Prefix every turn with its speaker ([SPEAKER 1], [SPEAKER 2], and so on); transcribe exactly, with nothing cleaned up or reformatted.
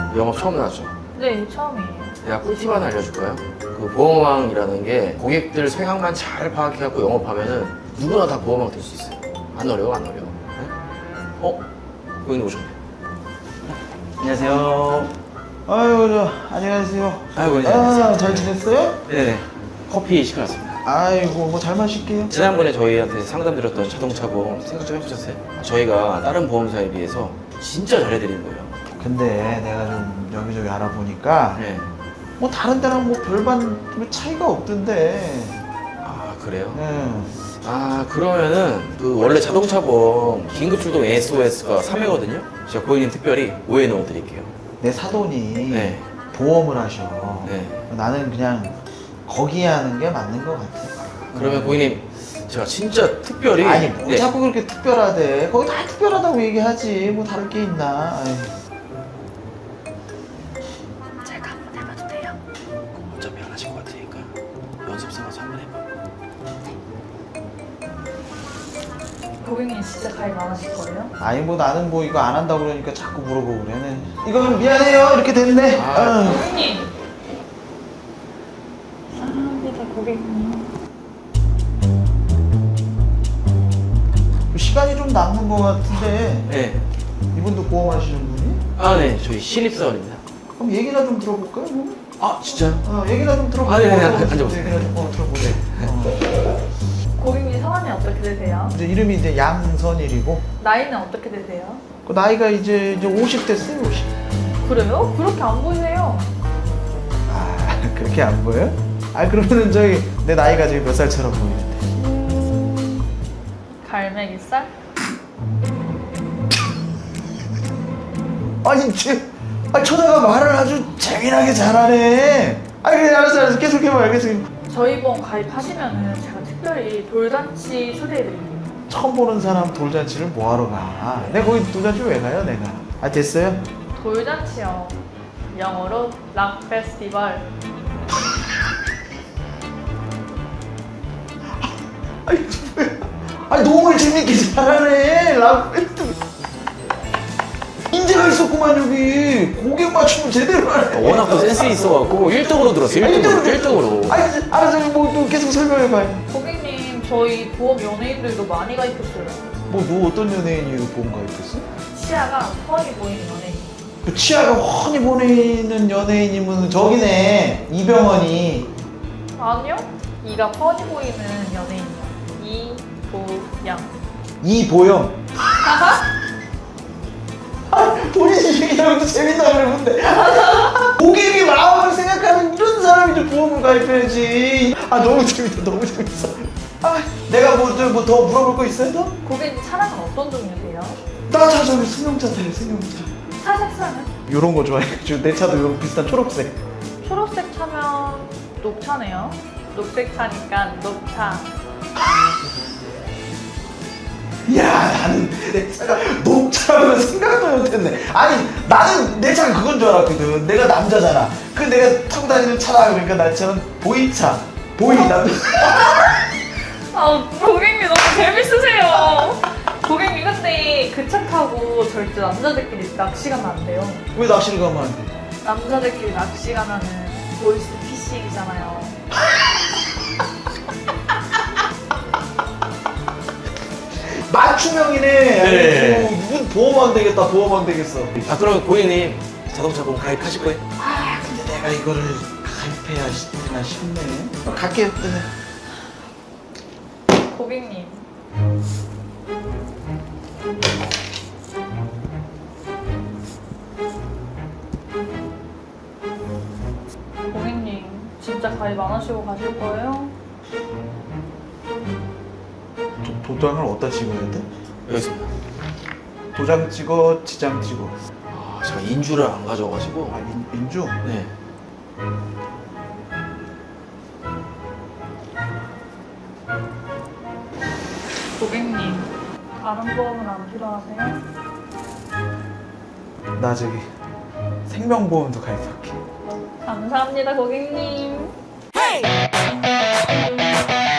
[SPEAKER 1] 영업 처음 나왔죠?
[SPEAKER 2] 네, 처음이에요.
[SPEAKER 1] 내가 꿀팁 하나 알려줄까요? 그 보험왕이라는 게 고객들 생각만 잘 파악해갖고 영업하면은 누구나 다 보험왕 될 수 있어요. 안 어려워, 안 어려워. 네? 어? 고객님 오셨네. 안녕하세요.
[SPEAKER 3] 아유, 저, 안녕하세요.
[SPEAKER 1] 아이고, 안녕하세요.
[SPEAKER 3] 아, 잘 지냈어요?
[SPEAKER 1] 네네. 커피 시켜놨습니다.
[SPEAKER 3] 아이고, 뭐 잘 마실게요.
[SPEAKER 1] 지난번에 저희한테 상담드렸던 자동차 보험 생각 좀 해보셨어요? 저희가 다른 보험사에 비해서 진짜 잘해드리는 거예요.
[SPEAKER 3] 근데 내가 좀 여기저기 알아보니까
[SPEAKER 1] 네.
[SPEAKER 3] 뭐 다른 데랑 뭐 별반 뭐 차이가 없던데.
[SPEAKER 1] 아, 그래요?
[SPEAKER 3] 네.
[SPEAKER 1] 아, 그러면은 그 원래 자동차 보험 긴급출동 에스오에스가 삼 회거든요? 제가 고객님 특별히 오 회 넣어드릴게요.
[SPEAKER 3] 내 사돈이
[SPEAKER 1] 네.
[SPEAKER 3] 보험을 하셔.
[SPEAKER 1] 네.
[SPEAKER 3] 나는 그냥 거기에 하는 게 맞는 것 같아.
[SPEAKER 1] 그러면 고객님 제가 진짜 특별히
[SPEAKER 3] 아니, 뭐
[SPEAKER 1] 네.
[SPEAKER 3] 자꾸 그렇게 특별하대. 거기 다 특별하다고 얘기하지. 뭐 다를 게 있나. 아이.
[SPEAKER 2] 제가 한번 해봐도 돼요?
[SPEAKER 1] 어차피 안 하실 것 같으니까 연습 삼아서 한번 해봐.
[SPEAKER 2] 고객님 진짜 가입 안 하실 거예요?
[SPEAKER 3] 아니 뭐 나는 뭐 이거 안 한다고 그러니까 자꾸 물어보고 그래. 네. 이거는 미안해요. 이렇게 됐네.
[SPEAKER 1] 아.
[SPEAKER 3] 아.
[SPEAKER 2] 고객님! 사랑합니다, 고객님.
[SPEAKER 3] 시간이 좀 남는 것 같은데
[SPEAKER 1] 네.
[SPEAKER 3] 이분도 보험하시는 분이?
[SPEAKER 1] 아, 네. 저희 신입사원입니다.
[SPEAKER 3] 그럼 얘기나 좀 들어볼까요? 뭐?
[SPEAKER 1] 아, 진짜요?
[SPEAKER 3] 어, 얘기나 좀 들어볼까요?
[SPEAKER 1] 아, 네네.
[SPEAKER 3] 어,
[SPEAKER 1] 앉아보세요.
[SPEAKER 3] 얘기나 좀 어, 들어보세요. 어.
[SPEAKER 2] 고객님 성함이 어떻게 되세요?
[SPEAKER 3] 이제 이름이 이제 양선일이고
[SPEAKER 2] 나이는 어떻게 되세요?
[SPEAKER 3] 그 나이가 이제 이제 오십 됐어요. 오십.
[SPEAKER 2] 그래요? 그렇게 안 보이세요.
[SPEAKER 3] 아 그렇게 안 보여요? 아 그러면은 저기 내 나이가 지금 몇 살처럼 보이는데?
[SPEAKER 2] 음... 갈매기살?
[SPEAKER 3] 아니 쟤, 아 처자가 말을 아주 재미나게 잘하네. 아 그래 알았어 알았어 계속 해봐요 계속. 해봐.
[SPEAKER 2] 저희 보험 가입하시면은 제가 특별히 돌잔치 초대해드릴게요.
[SPEAKER 3] 처음 보는 사람 돌잔치를 뭐하러 가? 내가 거기 돌잔치 왜 가요 내가? 아 됐어요?
[SPEAKER 2] 돌잔치요. 영어로 락 페스티벌.
[SPEAKER 3] 아니 뭐야? 아니 너무 재밌게 잘하네. 락페스트. 인재가 있었구만 여기. 고객 맞추면 제대로 하네.
[SPEAKER 1] 워낙 또 센스 있어갖고 일 등으로 들었어요. 일 등으로. 일 등으로.
[SPEAKER 3] 아니 알았어 뭐또 계속 설명해봐요.
[SPEAKER 2] 고객님 저희 보험 연예인들도 많이 가입했어요.
[SPEAKER 3] 뭐 너 어떤 연예인이 보험 가입했어?
[SPEAKER 2] 치아가 뻔히 보이는 연예인.
[SPEAKER 3] 그 치아가 훤히 보이는 연예인이면 저기네 이병헌이.
[SPEAKER 2] 아니요. 이가 뻔히 보이는 연예인이요. 이보영.
[SPEAKER 3] 이보영. 아, 본인이 얘기하면 재밌다 그러는데 고객의 마음을 생각하는 이런 사람이 좀 보험을 가입해야지. 아 너무 재밌다 너무 재밌어. 아 내가 뭐더 뭐 더 물어볼 거 있어요 더?
[SPEAKER 2] 고객님 차량은 어떤 종류세요?
[SPEAKER 3] 나차 저기 승용차 타요 승용차.
[SPEAKER 2] 차 색상은?
[SPEAKER 3] 요런 거 좋아해가지고 내 차도 요런 비슷한 초록색.
[SPEAKER 2] 초록색 차면 녹차네요. 녹색 차니까 녹차.
[SPEAKER 3] 야 나는 내 차가 녹차라고 생각도 못했네. 아니 나는 내 차가 그건 줄 알았거든. 내가 남자잖아. 그 내가 타고 다니는 차라 그러니까 나 차는 보이차. 보이 남자.
[SPEAKER 2] 아 고객님 너무 재밌으세요. 고객님 근데 그 차 타고 절대 남자들끼리 낚시 가면 안 돼요.
[SPEAKER 3] 왜 낚시를 가면 안 돼?
[SPEAKER 2] 남자들끼리 낚시 가면은 보이스 피싱이잖아요.
[SPEAKER 3] 맞춤형이네.
[SPEAKER 1] 네.
[SPEAKER 3] 아이고, 이분 보험안 되겠다. 보험안 되겠어.
[SPEAKER 1] 아, 그러면 고객님 자동차 보험 가입하실 거예요?
[SPEAKER 3] 아 근데 내가 이거를 가입해야 되나 싶네. 어, 갈게요. 네.
[SPEAKER 2] 고객님. 고객님 진짜 가입 안 하시고 가실 거예요?
[SPEAKER 3] 도, 도장을 어디다 찍어야 돼?
[SPEAKER 1] 여기 있습니다.
[SPEAKER 3] 도장 찍어, 지장 찍어.
[SPEAKER 1] 아, 제가 인주를 안 가져와가지고.
[SPEAKER 3] 아 인, 인주?
[SPEAKER 1] 네.
[SPEAKER 2] 고객님 다른 보험은 안 필요하세요?
[SPEAKER 3] 나 저기 생명보험도 가입할게.
[SPEAKER 2] 감사합니다 고객님.